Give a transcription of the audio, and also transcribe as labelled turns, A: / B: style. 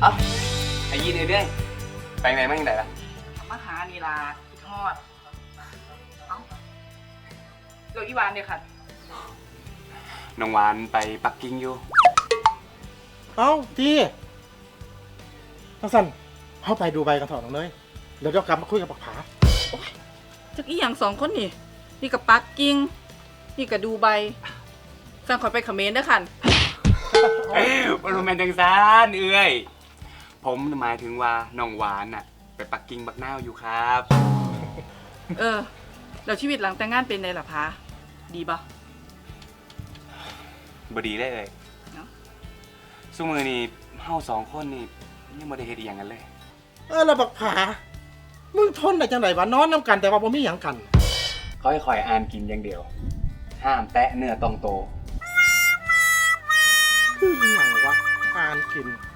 A: เอ้าไอ้ยีนเรื่อยไปไหนมาที่ไหนล่ะ
B: มาหานี่ล่ะคิดฮอดเอ้าเราอีวานเนี่ยค่ะ
A: น้องหวานไปปักกิ่งอยู่
C: เอ้าที่ทั้งสั้นเข้าไปดูใบกันเถอะน้องเนยเดี๋ยวกลับมาคุยกับปักผา
B: จักอีหยัง2 คนนี่นี่กับปักกิ่งนี่กับดูใบสั่งขอยไปเขมรเด้อค่ะ
A: โรแมนจังซานเอ้ยผมหมายถึงว่าน้องหวานน่ะไปปักกิ่งบักนาวอยู่ครับ
B: แล้วชีวิตหลังแต่งงานเป็นไงล่ะพาดีปะ
A: บดีเลย
B: เนาะ
A: สู้มือนี่เฮา2 คนนี่ยังบ่ได้เฮ็ดอีหยังกันเลย
C: แล้วปักผามึงทนได้จังไดวะนอนน้ำกันแต่ว่าบ่มีหยังกัน
A: เขาให้คอยอ่านกินอย่างเดียว ห้ามแตะเนื้อต้องโต
C: คือหยังวะทานกิน